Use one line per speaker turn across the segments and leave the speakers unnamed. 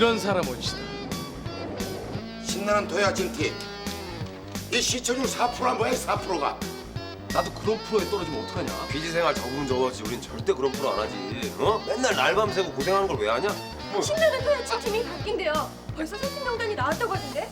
이런 사람 어디시다.
신나는 도야 징티. 이 시청률 4%가 뭐야? 4%가.
나도 그런 프로에 떨어지면 어떡하냐?
PD 생활 적으면 적었지. 우린 절대 그런 프로 안 하지. 어? 맨날 날밤 새고 고생하는 걸 왜 하냐? 뭐.
신나는 토야치 팀이 바뀐대요. 벌써 선수 명단이 나왔다고 하던데?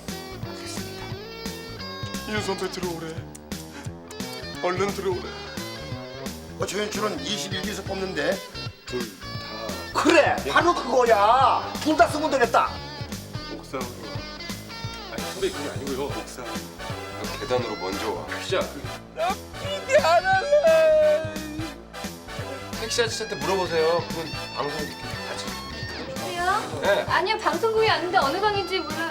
윤선배 들어오래. 얼른 들어오래.
조연출은 21기에서 뽑는데.
그래, 바로 그거야. 둘 다 쓰면 되겠다.
옥상으로. 아니 선배 그게 아니고요. 옥상.
너 계단으로 먼저 와.
피자.
PD 안 할래. 택시 아저씨한테 물어보세요. 그건 방송 같이.
여보세요?
네.
아니요, 방송국이 왔는데 어느 방인지 몰라.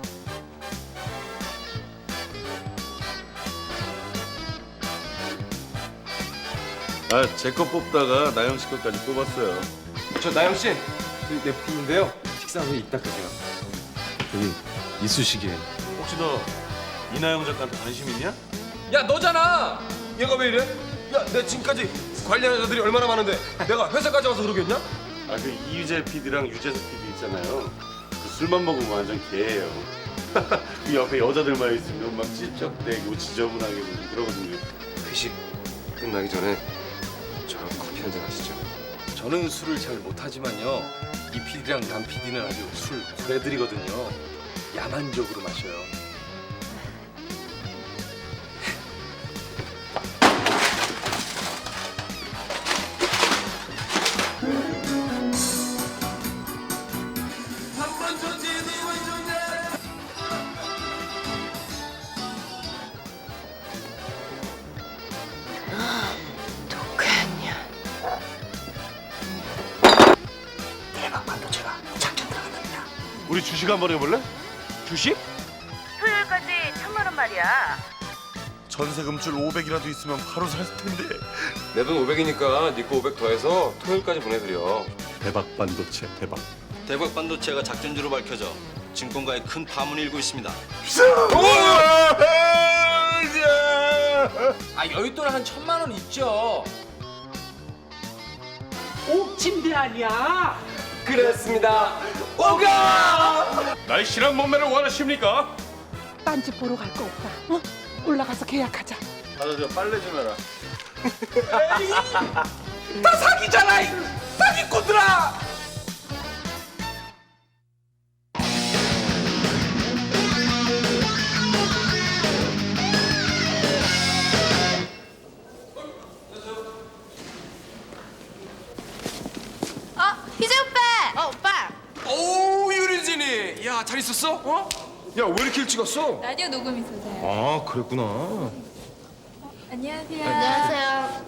아, 제 거 뽑다가 나영 씨 거까지 뽑았어요.
저 나영 씨, 내 부인인데요. 식사 후에 이따 가세요.
저기 이쑤시개. 혹시 너 이나영 작가한테 관심 있냐?
야 너잖아. 얘가 왜 이래? 야 내 지금까지 관리하는 여자들이 얼마나 많은데 내가 회사까지 와서 그러겠냐?
아, 그 이유재 PD랑 유재석 PD 있잖아요. 그 술만 먹으면 완전 개예요. 그 옆에 여자들만 있으면 막 찝쩍대고 지저분하게 보고 그러거든요.
회식 끝나기 전에 저랑 커피 한잔 하시죠.
저는 술을 잘 못하지만요. 이 PD랑 남 PD는 아주 술 고래들이거든요. 야만적으로 마셔요.
대박 반도체가 작전 들어간답니다.
우리 주식 한번 해볼래?
주식?
토요일까지 1,000만 원 말이야.
전세 금줄 500이라도 있으면 바로 살 텐데.
내 돈 500이니까 네 거 500 더해서 토요일까지 보내드려.
대박 반도체 대박.
대박 반도체가 작전주로 밝혀져 증권가에 큰 파문이 일고 있습니다.
아 여윳돈 한 1,000만 원 있죠.
옥침대 아니야?
그렇습니다. 오가!
날씬한 몸매를 원하십니까?
딴집 보러 갈 거 없다. 어? 올라가서 계약하자.
가서 저 빨래 좀 해라.
다 사기잖아, 이 사기꾼들아.
희재 오빠!
오빠.
오 유리진이. 야 잘 있었어? 어? 야 왜 이렇게 일찍 왔어?
라디오 녹음 있어서요.
아 그랬구나.
안녕하세요. 안녕하세요.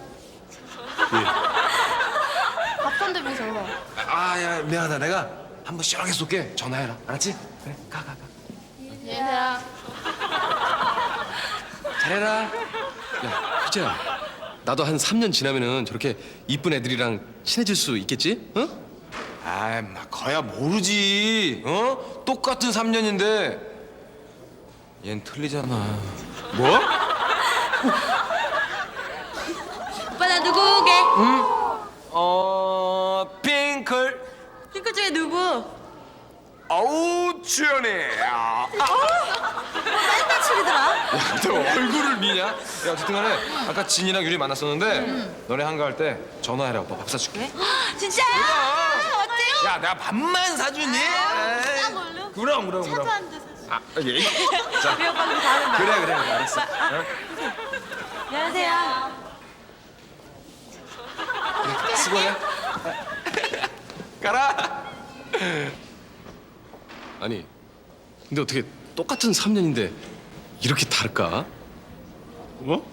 밥 손들면서.
아야 미안하다. 내가 한번 시원하게 쏠게. 전화해라. 알았지? 그래 가.
안녕하세요.
잘해라. 야 희재야. 나도 한 3년 지나면은 저렇게 이쁜 애들이랑 친해질 수 있겠지? 응?
아이 막 거야 모르지. 어? 똑같은 3년인데 얜 틀리잖아. 뭐?
오빠 나 누구 오게?
핑클.
핑크 중에 누구?
어우 주연이.
맨날 치리더라.
너 얼굴을 미냐? 야 어쨌든 간에 아까 진이랑 유리 만났었는데 너네 한가할 때 전화해라. 오빠 밥 사줄게.
진짜요? 어때요?
야 내가 밥만 사주니? 에이,
뭘로?
그럼.
차도 한 잔 사주세요.
아 예. 자
우리 오빠 그럼 다른 날.
그래 알았어.
안녕하세요.
수고해. 가라.
아니 근데 어떻게 똑같은 3년인데 이렇게 다를까?
뭐?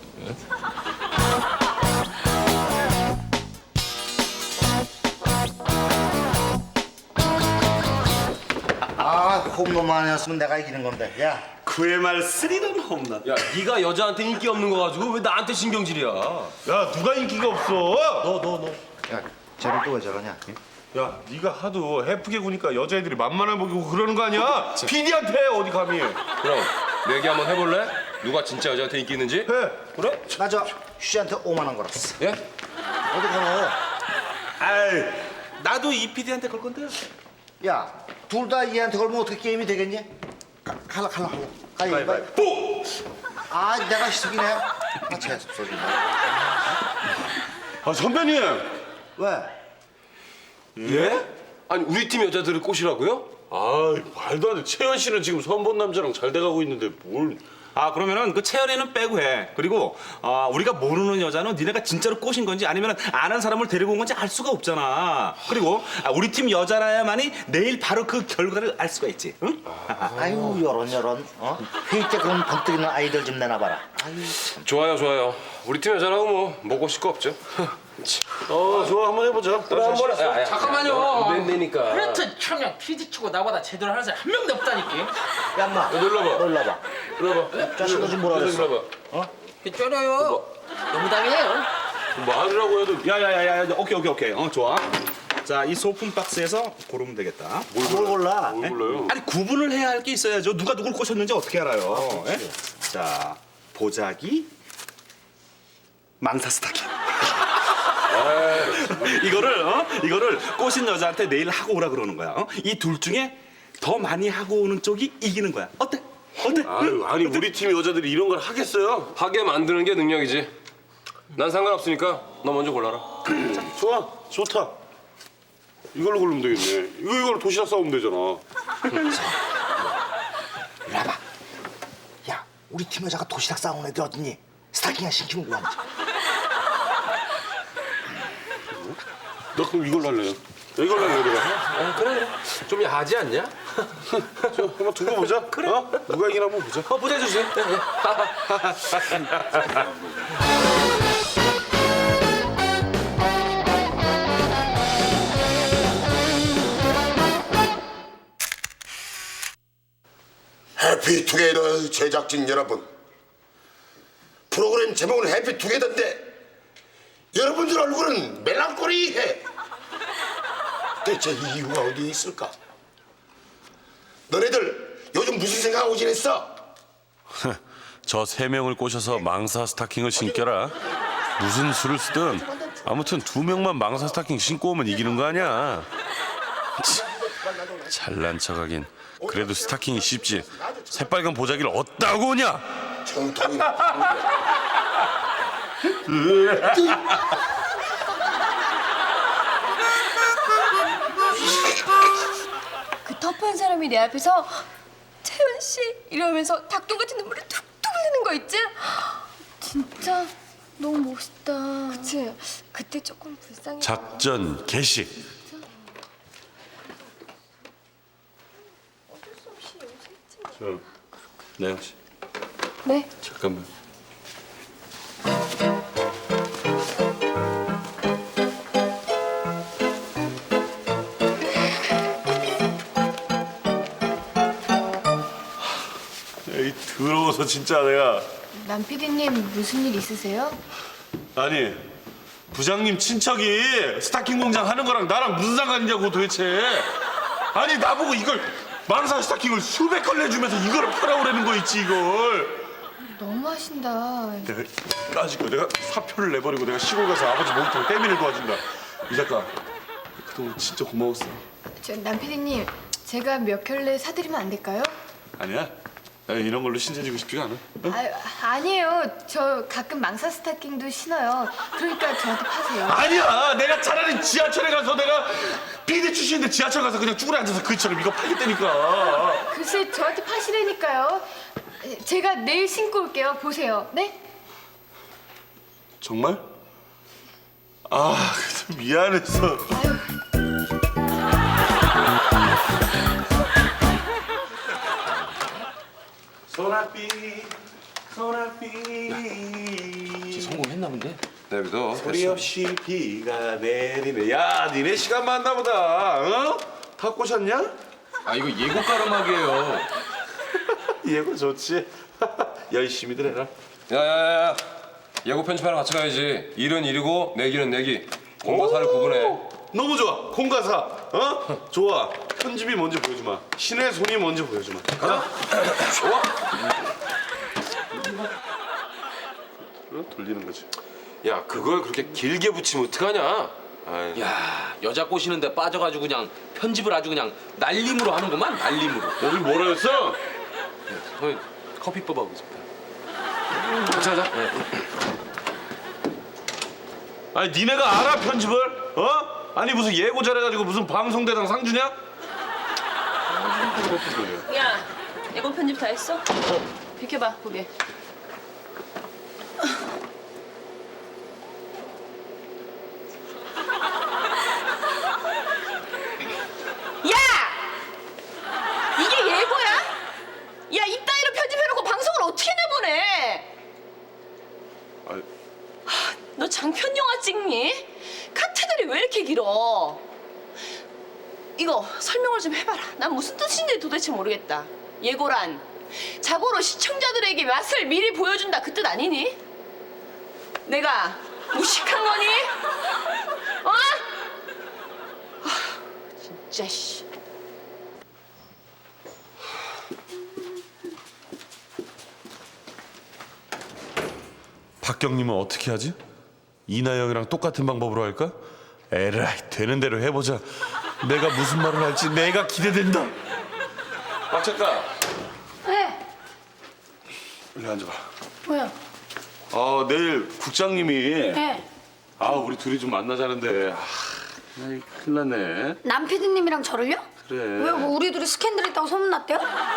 아, 홈런만 아니었으면 내가 이기는 건데. 야,
그의 말 스리런 홈런.
야 네가 여자한테 인기 없는 거 가지고 왜 나한테 신경질이야?
야, 누가 인기가 없어?
너.
야, 쟤는 또 왜 저러냐?
야, 네가 하도 해프게 구니까 여자애들이 만만해 보이고 그러는 거 아니야? PD한테 어디 감히?
그럼 내기 한번 해볼래? 누가 진짜 여자한테 인기 있는지?
해.
그래?
나 저 휴지한테 5만 원 걸었어.
예?
어디 걸어?
아이, 나도 이 PD한테 걸 건데.
야, 둘 다 얘한테 걸면 어떻게 게임이 되겠니? 갈라. 가위바위보. 아, 내가 희석이네. 아, 재수없어지네.
아 선배님.
왜?
예? 아니 우리 팀 여자들을 꼬시라고요?
아 말도 안 돼. 채연 씨는 지금 선본 남자랑 잘 돼가고 있는데 뭘?
아 그러면은 그 채연이는 빼고 해. 그리고 우리가 모르는 여자는 니네가 진짜로 꼬신 건지 아니면 아는 사람을 데리고 온 건지 알 수가 없잖아. 그리고 우리 팀 여자라야만이 내일 바로 그 결과를 알 수가 있지. 응?
아유, 여론. 회의 때 그런 번뜩이는 아이들 좀 내놔봐라. 아유, 참.
좋아요. 우리 팀 여자라고 뭐 꼬실 거 없죠.
좋아 한번 해보자.
그래 한번
잠깐만요.
안 된다니까.
그렇죠. 청양 피지치고 나보다 제대로 하는 사람 한 명도 없다니까.
야, 인마.
놀러봐.
자식아 좀 뭐라 그랬어?
놀러봐.
쩔어요. 너무 당해요.
말이라고 해도
야야야야. 오케이. 좋아. 자, 이 소품 박스에서 고르면 되겠다.
뭘 골라?
뭘 몰라요.
아니 구분을 해야 할 게 있어야죠. 누가 누굴 꼬셨는지 어떻게 알아요? 예? 자, 보자기, 망사 스타킹. 이거를 꼬신 여자한테 내일 하고 오라 그러는 거야. 이 둘 중에 더 많이 하고 오는 쪽이 이기는 거야. 어때?
아니 우리 팀 여자들이 이런 걸 하겠어요?
하게 만드는 게 능력이지. 난 상관없으니까 너 먼저 골라라.
좋다. 이걸로 고르면 되겠네. 이걸로 도시락 싸우면 되잖아.
이리 와봐. 야, 우리 팀 여자가 도시락 싸우는 애들 어딨니? 스타킹 하나 신기면 뭐하는지.
나 그럼 이걸로 할래요. 이걸로 할래요 내가.
그래. 좀 야하지 않냐?
저 한번 두고 보자. 그래. 누가 이기나 한번 보자.
보자 주지.
해피투게더 제작진 여러분, 프로그램 제목은 해피투게더인데 여러분들 얼굴은 멜랑콜리해. 대체 이유가 어디 있을까? 너네들 요즘 무슨 생각하고 지냈어?
저 3명을 꼬셔서 망사 스타킹을 신겨라. 무슨 수를 쓰든 아무튼 2명만 망사 스타킹 신고 오면 이기는 거 아니야. 잘난 척하긴. 그래도 스타킹이 쉽지. 새빨간 보자기를 어디다고 오냐?
정통이
그 터프한 사람이 내 앞에서 채연 씨 이러면서 닭똥 같은 눈물이 툭툭 흘리는 거 있지? 진짜 너무 멋있다. 그치? 그때 조금 불쌍해.
작전 개시. 나영 씨.
네.
잠깐만. 에이 더러워서 진짜 내가.
남 PD님 무슨 일 있으세요?
아니 부장님 친척이 스타킹 공장 하는 거랑 나랑 무슨 상관이냐고 도대체. 아니 나보고 이걸 망사 스타킹을 수백 걸 내주면서 이거를 팔아오라는 거 있지 이걸.
너무하신다.
내가 까짓거 내가 사표를 내버리고 내가 시골 가서 아버지 목욕탕 때밀을 도와준다. 이 작가 그동안 진짜 고마웠어.
남 PD님 제가 몇 켤레 사드리면 안 될까요?
아니야. 나 이런 걸로 신세지고 싶지가 않아. 응?
아니에요. 저 가끔 망사 스타킹도 신어요. 그러니까 저한테 파세요.
아니야. 내가 차라리 지하철에 가서 내가 PD 출신인데 지하철 가서 그냥 쭈그려 앉아서 그처럼 이거 팔겠다니까.
글쎄 저한테 파시라니까요. 제가 내일 신고 올게요. 보세요. 네?
정말? 아, 미안해서.
소나비. 성공했나 본데? 네, 믿어.
소리 없이 비가 내리네. 야, 니네 시간 많나 보다. 어? 다 꼬셨냐?
아 이거 예고 가름하기예요.
예고 좋지. 열심히들 해라.
야야야. 예고 편집하러 같이 가야지. 일은 일이고 내기는 내기. 공과사를 구분해.
너무 좋아. 공과사. 어? 좋아. 편집이 먼저 보여주마. 신의 손이 먼저 보여주마. 가자.
좋아.
돌리는 거지.
야 그걸 그렇게 길게 붙이면 어떡하냐?
아이.
야 여자 꼬시는데 빠져가지고 그냥 편집을 아주 그냥 날림으로 하는구만 날림으로.
여기 뭐라 했어?
저 커피 뽑아오고 있습니다. 자자. 네.
아니 니네가 알아 편집을? 어? 아니 무슨 예고 잘해가지고 무슨 방송대상 상 주냐?
야, 예고 편집 다 했어? 비켜봐, 보게. 야! 이게 예고야? 야, 이따위로 편집해놓고 방송을 어떻게 내보내?
아니,
너 장편 영화 찍니? 카트들이 왜 이렇게 길어? 이거 설명을 좀 해봐라. 난 무슨 뜻인지 도대체 모르겠다. 예고란 자고로 시청자들에게 맛을 미리 보여준다 그 뜻 아니니? 내가 무식한 거니? 어? 진짜 씨.
박경님은 어떻게 하지? 이나영이랑 똑같은 방법으로 할까? 에라이 되는 대로 해보자. 내가 무슨 말을 할지 내가 기대된다. 박 작가.
왜?
일리 앉아봐.
뭐야?
내일 국장님이
네.
우리 둘이 좀 만나자는데 큰일 났네.
남 PD님이랑 저를요?
그래.
왜 뭐 우리 둘이 스캔들 있다고 소문났대요?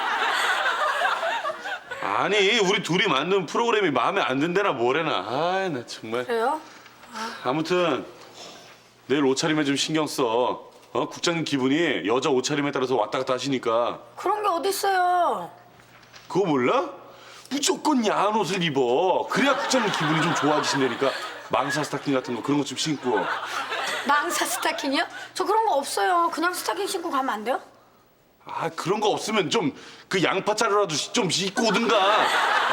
아니 우리 둘이 만든 프로그램이 마음에 안 든대나 뭐래나. 나 정말.
그래요?
아무튼 내일 옷차림에 좀 신경 써. 국장님 기분이 여자 옷차림에 따라서 왔다 갔다 하시니까.
그런 게 어딨어요.
그거 몰라? 무조건 야한 옷을 입어. 그래야 국장님 기분이 좀 좋아지신다니까. 망사 스타킹 같은 거 그런 거 좀 신고.
망사 스타킹이요? 저 그런 거 없어요. 그냥 스타킹 신고 가면 안 돼요?
그런 거 없으면 좀 그 양파 자루라도 좀 입고 오든가.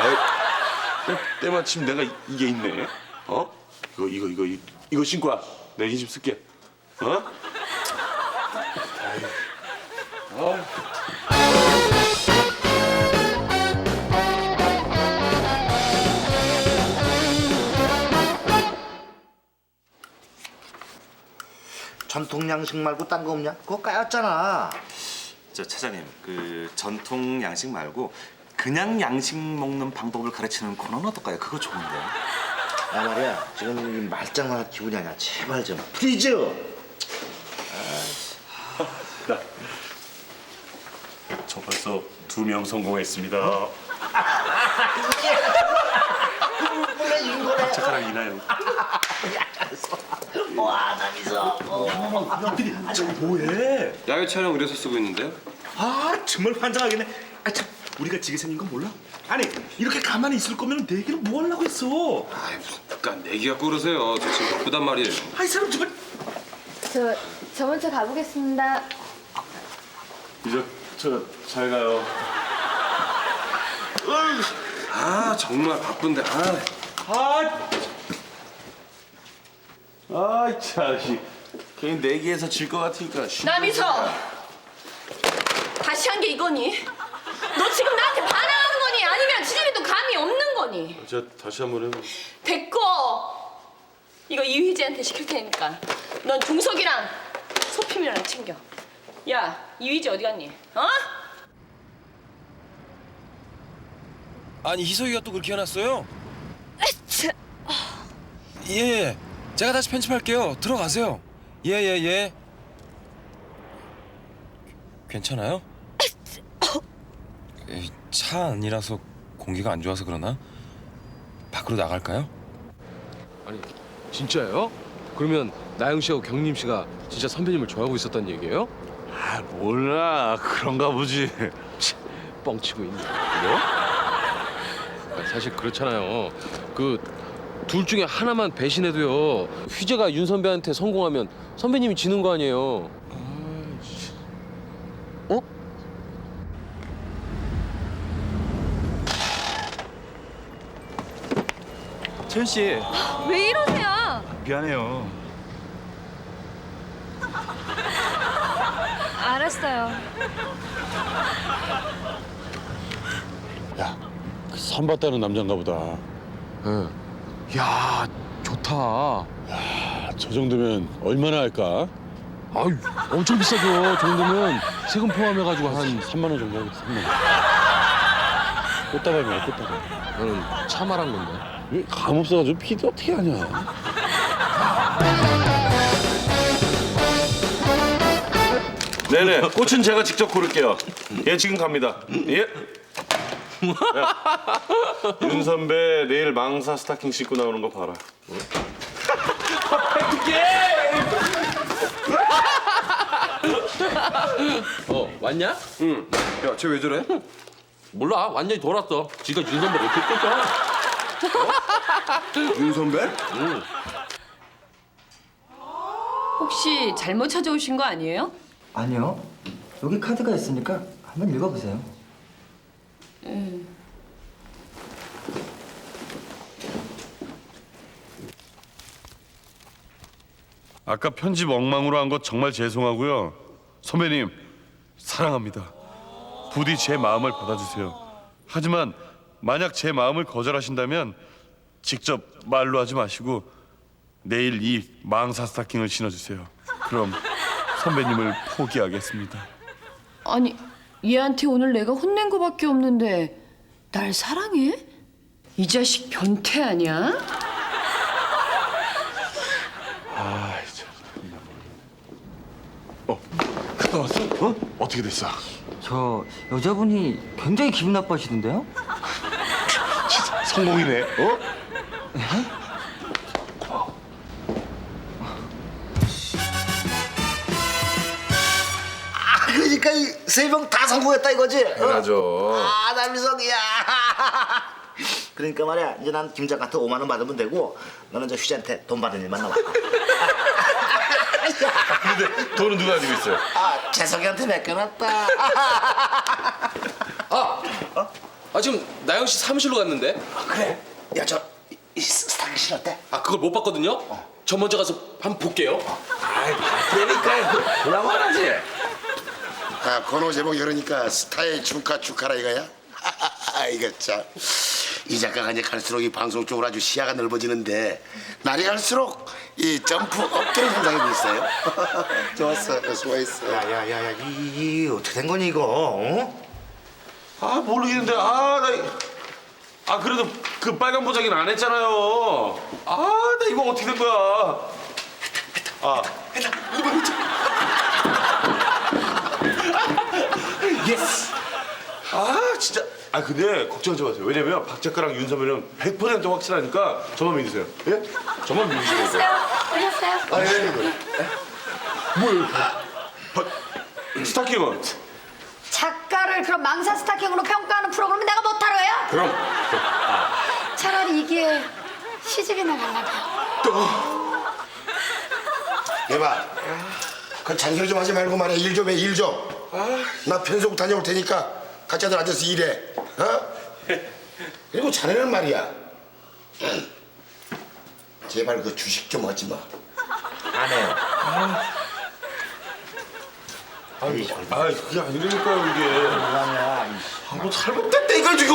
때마침 내가 이게 있네. 이거 신고 와. 내가 이 집 쓸게.
전통 양식 말고 딴 거 없냐? 그거 까였잖아.
저 차장님, 그 전통 양식 말고 그냥 양식 먹는 방법을 가르치는 코너는 어떨까요? 그거 좋은데요.
야 말이야, 지금 이 말장난할 기분이 아니야. 제발 좀 플리즈.
저 벌써 2명 성공했습니다.
원래 이런 거네.
착하랑 이나영.
와, 남이서.
저거 뭐해?
야외 촬영 의뢰서 쓰고 있는데요.
정말 환장하겠네. 참, 우리가 지게 생긴 건 몰라? 아니, 이렇게 가만히 있을 거면 내기를 뭐 하려고 했어?
그러니까 내기 갖고 그러세요. 저 지금 바쁘단 말이에요.
이 사람 정말.
저 먼저 가보겠습니다.
이제 저 잘 가요.
정말 바쁜데.
자식. 괜히 내기에서 질 것 같으니까.
남이서 다시 한 게 이거니? 너 지금 나한테 반항하는 거니? 아니면 지들이도 감이 없는 거니?
제가 다시 한번 해봐.
됐고 이거 이휘재한테 시킬 테니까 넌 종석이랑 소피미랑 챙겨. 야 이휘재 어디 갔니?
아니 희석이가 또 그렇게 해놨어요? 예. 제가 다시 편집할게요. 들어가세요. 예. 괜찮아요? 차 안이라서 공기가 안 좋아서 그러나? 밖으로 나갈까요?
아니 진짜예요? 그러면 나영 씨하고 경림 씨가 진짜 선배님을 좋아하고 있었단 얘기예요?
몰라. 그런가 보지.
뻥치고 있네. 뭐? 사실 그렇잖아요. 그 둘 중에 하나만 배신해도요. 휘재가 윤 선배한테 성공하면 선배님이 지는 거 아니에요.
채연 씨,
왜 이러세요?
미안해요.
알았어요.
야, 그 선 봤다는 남잔가 보다.
야 좋다.
저 정도면 얼마나 할까?
아유, 엄청 비싸죠. 저 정도면 세금 포함해가지고 한
3만 원 정도 하겠다. 3만 원. 꽃다발이야, 꽃다발.
나는 차 말한 건데.
왜 감 없어가지고 피도 어떻게 하냐? 네네, 꽃은 제가 직접 고를게요. 예, 지금 갑니다. 예. 야, 윤 선배 내일 망사 스타킹 신고 나오는 거 봐라.
왔냐?
응. 야, 쟤 왜 저래?
몰라. 완전히 돌았어. 지가 윤 선배를 이렇게 뜯어.
윤 선배?
응.
혹시 잘못 찾아오신 거 아니에요?
아니요. 여기 카드가 있으니까 한번 읽어보세요.
아까 편집 엉망으로 한 거 정말 죄송하고요. 선배님 사랑합니다. 부디 제 마음을 받아주세요. 하지만 만약 제 마음을 거절하신다면 직접 말로 하지 마시고 내일 이 망사 스타킹을 신어주세요. 그럼 선배님을 포기하겠습니다.
아니, 얘한테 오늘 내가 혼낸 거밖에 없는데 날 사랑해? 이 자식 변태 아니야?
갔다 왔어? 어? 어떻게 됐어?
저 여자분이 굉장히 기분 나빠하시던데요?
성공이네. 어?
그러니까 이 세 명 다 성공했다 이거지?
당연하죠.
아, 남희석이야. 그러니까 말이야, 이제 난 김장한테 5만 원 받으면 되고 너는 저 휴지한테 돈 받은 일만 남아.
근데 돈은 누가 가지고 있어요?
아, 재석이한테 맡겨놨다.
지금 나영 씨 사무실로 갔는데.
그래? 야, 저 스타킹 신었대?
그걸 못 봤거든요. 저 먼저 가서 한번 볼게요.
그러니까 보라만 하지.
건호 제목 열으니까 스타의 축하라 이거야? 이거 참. 이 작가가 이제 갈수록 이 방송 쪽으로 아주 시야가 넓어지는데 날이 갈수록 이 점프 어깨를 향상하고 있어요. 좋았어, 수고했어.
야야야야, 이 어떻게 된 거니 이거? 어?
모르겠는데 그래도 그 빨간 보자기는 안 했잖아요. 나 이거 어떻게 된 거야?
예스.
진짜. 근데 걱정하지 마세요. 왜냐면 박 작가랑 윤 선배는 100% 확실하니까 저만 믿으세요. 예? 저만 믿으시면 돼요.
오셨어요?
스타킹은?
작가를 그럼 망사 스타킹으로 평가하는 프로그램은 내가 못하러 해요?
그럼.
차라리 이게 시집이나 갈라고요.
얘봐, 그 잔소리 좀 하지 말고 말해. 일 좀 해, 일 좀. 나 편속 다녀올 테니까 각자들 앉아서 일해. 그리고 자네는 말이야. 제발 그 주식 좀 하지 마.
안 해요.
그게 아니라니까요 이게.
뭐하냐?
뭐 잘못됐다 이걸 지금.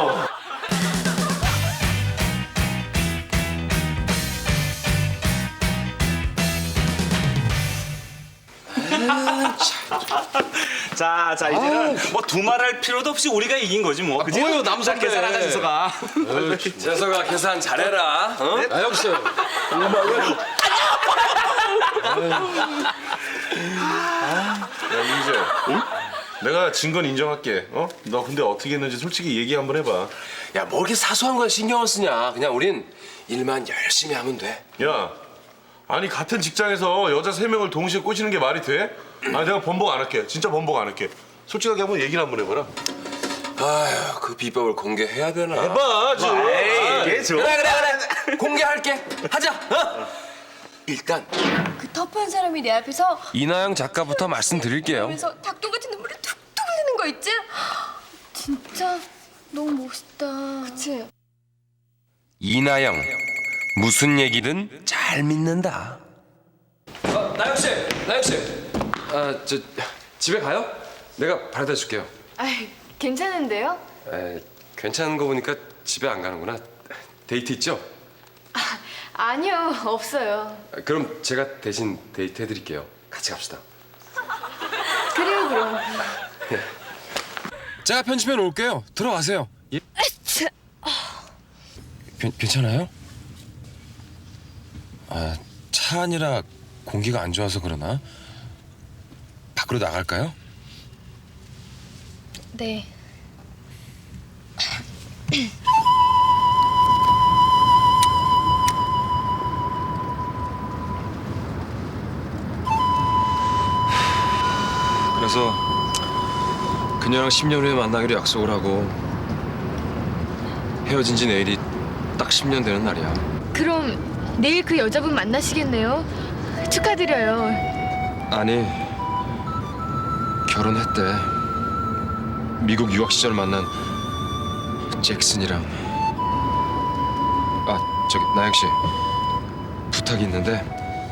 자, 이제는 뭐 두말할 필요도 없이 우리가 이긴 거지 뭐. 그지?
뭐예요, 남선배.
계산하자, 재석아.
재석아 계산 잘해라. 어?
나영 씨.
야 민재, 내가 진 건 인정할게. 너 근데 어떻게 했는지 솔직히 얘기 한번 해봐.
야, 뭐 이렇게 사소한 걸 신경을 쓰냐. 그냥 우린 일만 열심히 하면 돼.
야, 아니 같은 직장에서 여자 3명을 동시에 꼬시는 게 말이 돼? 내가 번복 안 할게. 진짜 번복 안 할게. 솔직하게 한번 얘기를 한번 해봐라.
아휴, 그 비법을 공개해야 되나?
해봐, 좀.
그래. 공개할게. 하자. 일단
그 터프한 사람이 내 앞에서
이나영 작가부터 말씀드릴게요.
그러면서 닭똥 같은 눈물이 툭툭 흘리는 거 있지? 진짜 너무 멋있다. 그치?
이나영, 무슨 얘기든 잘 믿는다. 나영 씨, 저 집에 가요? 내가 바래다 줄게요.
아이, 괜찮은데요?
괜찮은 거 보니까 집에 안 가는구나. 데이트 있죠?
아니요, 없어요.
그럼 제가 대신 데이트 해드릴게요. 같이 갑시다.
그래요, 그럼.
제가 편집해 놓을게요. 들어가세요. 예? 괜찮아요? 아, 차 안이라 공기가 안 좋아서 그러나? 밖으로 나갈까요?
네.
그래서 그녀랑 10년 후에 만나기로 약속을 하고 헤어진 지 내일이 딱 10년 되는 날이야.
그럼 내일 그 여자분 만나시겠네요? 축하드려요.
아니, 결혼했대. 미국 유학 시절 만난 잭슨이랑. 아, 저기 나영 씨, 부탁이 있는데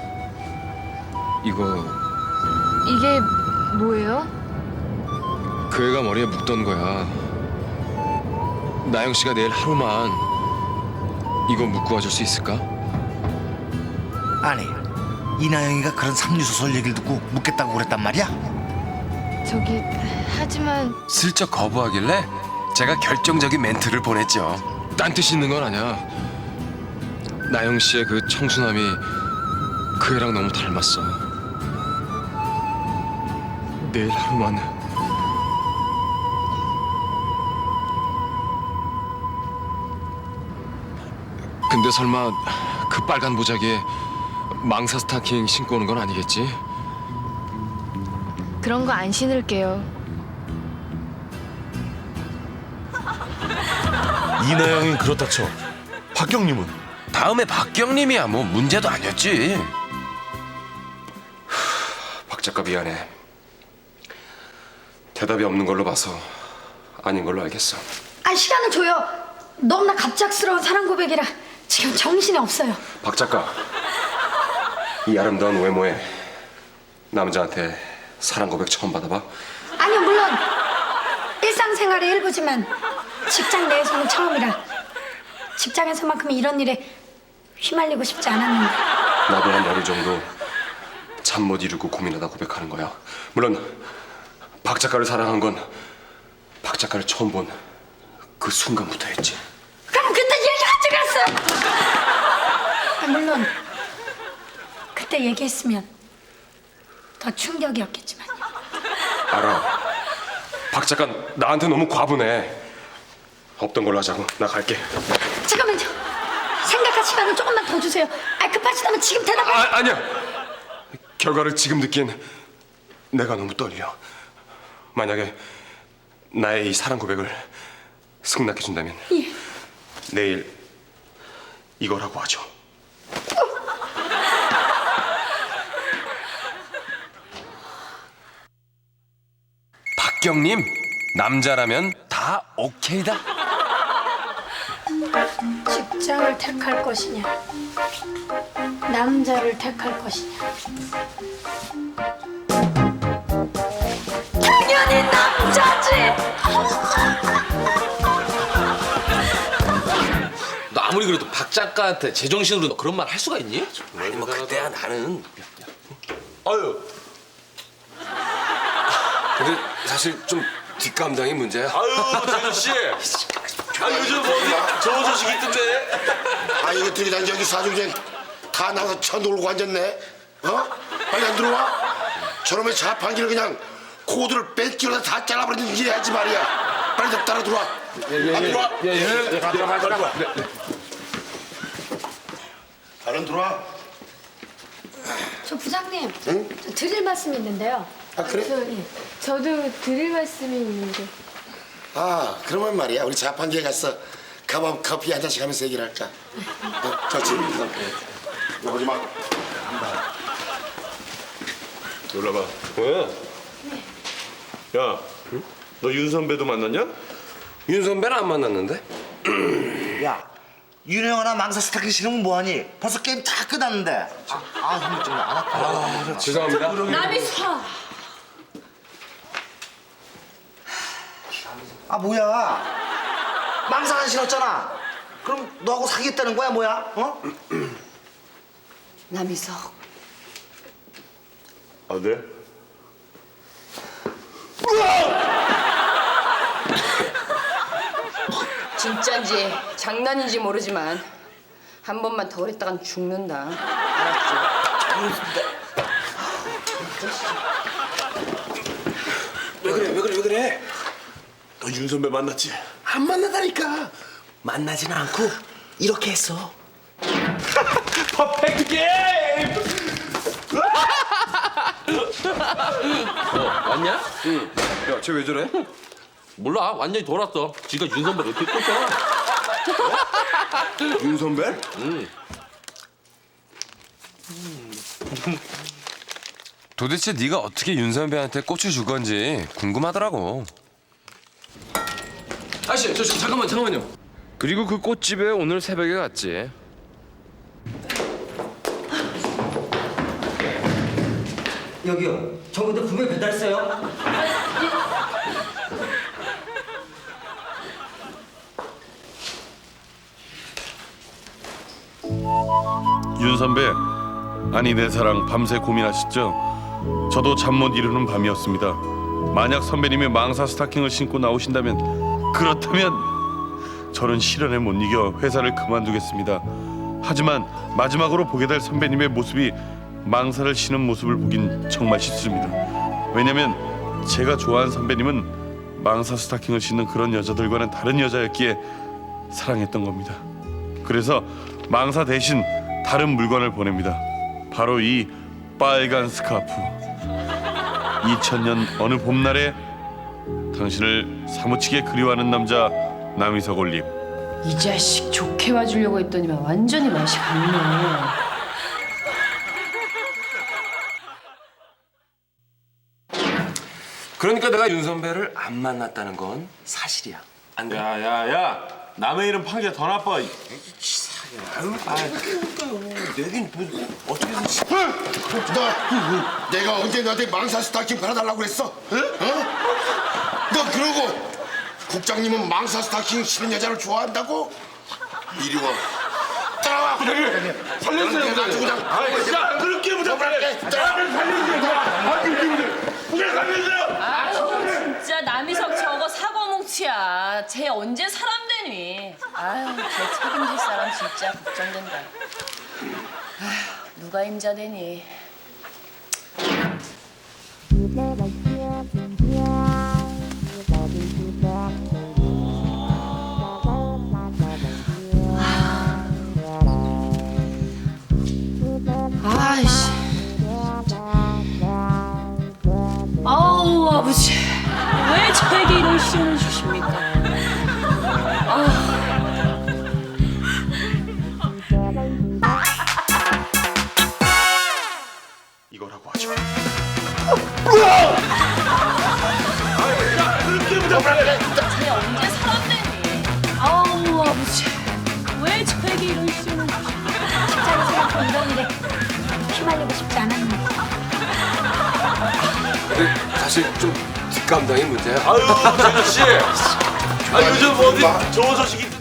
이거
이게 뭐예요?
그 애가 머리에 묻던 거야. 나영 씨가 내일 하루만 이거 묻고 와줄 수 있을까?
아니, 이나영이가 그런 삼류소설 얘기를 듣고 묻겠다고 그랬단 말이야?
저기 하지만
슬쩍 거부하길래 제가 결정적인 멘트를 보냈죠. 딴 뜻이 있는 건 아니야. 나영 씨의 그 청순함이 그 애랑 너무 닮았어. 내일 하루만. 근데 설마 그 빨간 보자기에 망사 스타킹 신고 오는 건 아니겠지?
그런 거 안 신을게요.
이나영이 그렇다 쳐. 박경님은?
다음에 박경님이야 뭐 문제도 아니었지. 박 작가 미안해. 대답이 없는 걸로 봐서 아닌 걸로 알겠어.
아, 시간을 줘요. 너무나 갑작스러운 사랑 고백이라 지금 정신이 없어요.
박 작가, 이 아름다운 외모에 남자한테 사랑 고백 처음 받아봐?
아니요, 물론 일상생활의 일부지만 직장 내에서는 처음이라 직장에서만큼 이런 일에 휘말리고 싶지 않았는데.
나도 한 열흘 정도 잠 못 이루고 고민하다 고백하는 거야. 물론 박 작가를 사랑한 건 박 작가를 처음 본 그 순간부터였지.
그럼 그때 얘기하지 그랬어요. 아, 물론 그때 얘기했으면 더 충격이었겠지만요.
알아. 박 작가 나한테 너무 과분해. 없던 걸로 하자고. 나 갈게.
잠깐만요. 생각할 시간을 조금만 더 주세요. 아, 급하시다면 지금 대답을.
아니야. 결과를 지금 느낀 내가 너무 떨려. 만약에 나의 이 사랑 고백을 승낙해 준다면
예.
내일 이거라고 하죠. 박경님, 남자라면 다 오케이다.
직장을 택할 것이냐, 남자를 택할 것이냐. 당연히 남자지.
너 아무리 그래도 박 작가한테 제정신으로 너 그런 말 할 수가 있니?
아니 뭐 그때야 나는.
아유.
근데 사실 좀 뒷감당이 문제야.
아유, 재준 씨. 아, 요즘 어디 좋은 소식이 있던데?
아, 이거 들이단 저기 사중쟁 다 나가서 쳐 놀고 앉았네. 어? 빨리 안 들어와? 저놈의 자판기를 그냥 코드를 뺀끼로 다 잘라버리는 일이 하지 말이야. 빨리 좀 따라 들어와. 안 들어와? 들어와. 빨리 들어와.
저 부장님, 저 드릴 말씀이 있는데요.
아, 그래?
저도 드릴 말씀이 있는데.
아, 그러면 말이야. 우리 자판기에 가서 컵업 커피 한 잔씩 하면서 얘기를 할까? 좋지. 이거 보지 마.
놀라봐. 뭐야? 야, 너 윤 선배도 만났냐?
윤 선배는 안 만났는데?
야, 윤영아나 망사 스타킹 신으면 뭐하니? 벌써 게임 다 끝났는데. 힘이 좀 안 아파.
죄송합니다.
남이사.
아, 뭐야? 망사 안 신었잖아. 그럼 너하고 사귀겠다는 거야, 뭐야? 어?
남이석.
아, 네?
진짠지 장난인지 모르지만 한 번만 더 그랬다간 죽는다. 알았지?
왜 그래? 너 윤 선배 만났지?
안 만나다니까.
만나지는 않고 이렇게 했어.
퍼펙트 게임!
왔냐?
응. 야, 쟤 왜 저래?
몰라. 완전히 돌았어. 지가 윤 선배를 어떻게 꽂잖아.
윤 선배?
응.
도대체 네가 어떻게 윤 선배한테 꽃을 줄 건지 궁금하더라고.
아저씨, 잠깐만요.
그리고 그 꽃집에 오늘 새벽에 갔지.
여기요. 저 근데 분명히 배달했어요.
윤 선배, 아니 내 사랑 밤새 고민하셨죠? 저도 잠 못 이루는 밤이었습니다. 만약 선배님이 망사 스타킹을 신고 나오신다면, 그렇다면 저는 시련에 못 이겨 회사를 그만두겠습니다. 하지만 마지막으로 보게 될 선배님의 모습이 망사를 신은 모습을 보긴 정말 싫습니다. 왜냐면 제가 좋아하는 선배님은 망사 스타킹을 신는 그런 여자들과는 다른 여자였기에 사랑했던 겁니다. 그래서 망사 대신 다른 물건을 보냅니다. 바로 이 빨간 스카프. 2000년 어느 봄날에 당신을 사무치게 그리워하는 남자 남이석 올림.
이 자식 좋게 봐주려고 했더니만 완전히 맛이 갔네.
그러니까 내가 윤 선배를 안 만났다는 건 사실이야. 안 돼?
야야야, 남의 이름 판게 더 나빠.
내긴 뭐 어떻게 해서
너 내가 언제 너한테 망사 스타킹 팔아달라고 그랬어? 응? 너 그러고 국장님은 망사 스타킹 신은 여자를 좋아한다고? 이리 와. 따라와.
살려주세요,
부장님. 그냥.
아, 진짜 그렇게 부탁해. 나를 살려주세요. 부장 살려주세요.
아유 진짜 남이석 저거 사고뭉치야. 쟤 언제 사람 되니? 아유 쟤 책임질 사람 진짜 걱정된다. 아휴 누가 임자 되니?
아이씨. 아우 아버지.
왜 저에게 이런 시련을 주십니까? 아.
이거라고 하죠.
쟤 언제 사람 되니?
아우 아버지.
왜 저에게 이런 시련을 주십니까?
직장에서 이런 일에 휘말리고 싶지 않았는데.
근데 사실 좀 뒷감당이 문제야.
아유, 재주 씨. 아 요즘 어디 좋은 소식이